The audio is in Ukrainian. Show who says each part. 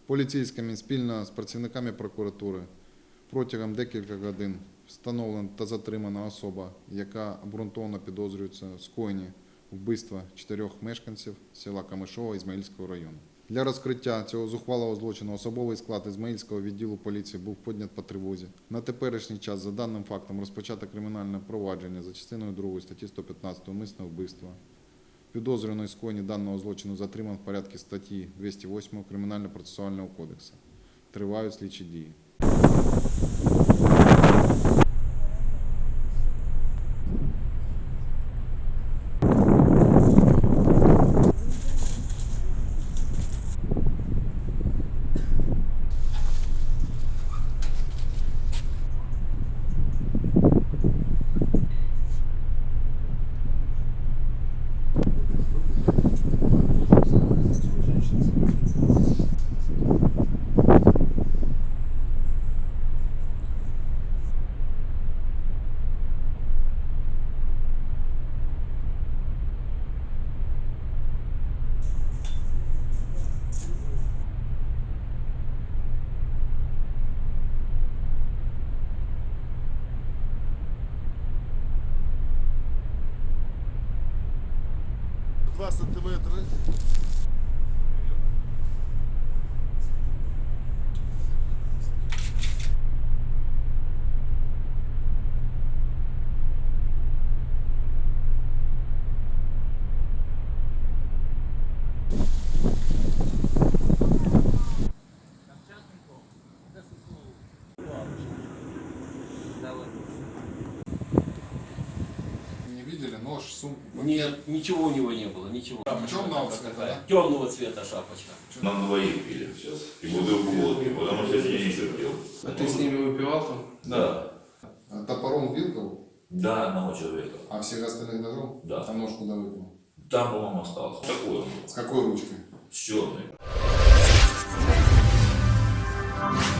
Speaker 1: Поліцейськими спільно з працівниками прокуратури протягом декількох годин встановлена та затримана особа, яка обґрунтовано підозрюється в скоєнні вбивства 4 мешканців села Камишова Ізмаїльського району. Для розкриття цього зухвалого злочину особовий склад Ізмаїльського відділу поліції був піднят по тривозі. На теперішній час за даним фактом розпочато кримінальне провадження за частиною 2 статті 115 «Умисне вбивство». Підозрюваний скоєнні даного злочину затриман в порядку статті 208 Кримінально-процесуального кодексу. Тривають слідчі дії.
Speaker 2: Два сантиметри.
Speaker 1: Не видели нож, сумку?
Speaker 3: Нет, ничего у него не было, ничего.
Speaker 1: Темного цвета, да?
Speaker 3: Темного цвета шапочка.
Speaker 4: Нам двоих пили сейчас. И бутылку водки, потому что я не терпел.
Speaker 5: А ты с ними выпивал там?
Speaker 4: Да.
Speaker 1: А топором бил кого?
Speaker 4: Да, одного человека.
Speaker 1: А всех остальных ножом?
Speaker 4: Да.
Speaker 1: А нож куда выкинул?
Speaker 4: Там, по-моему, остался. Такой он был.
Speaker 1: С какой ручкой?
Speaker 4: С черной.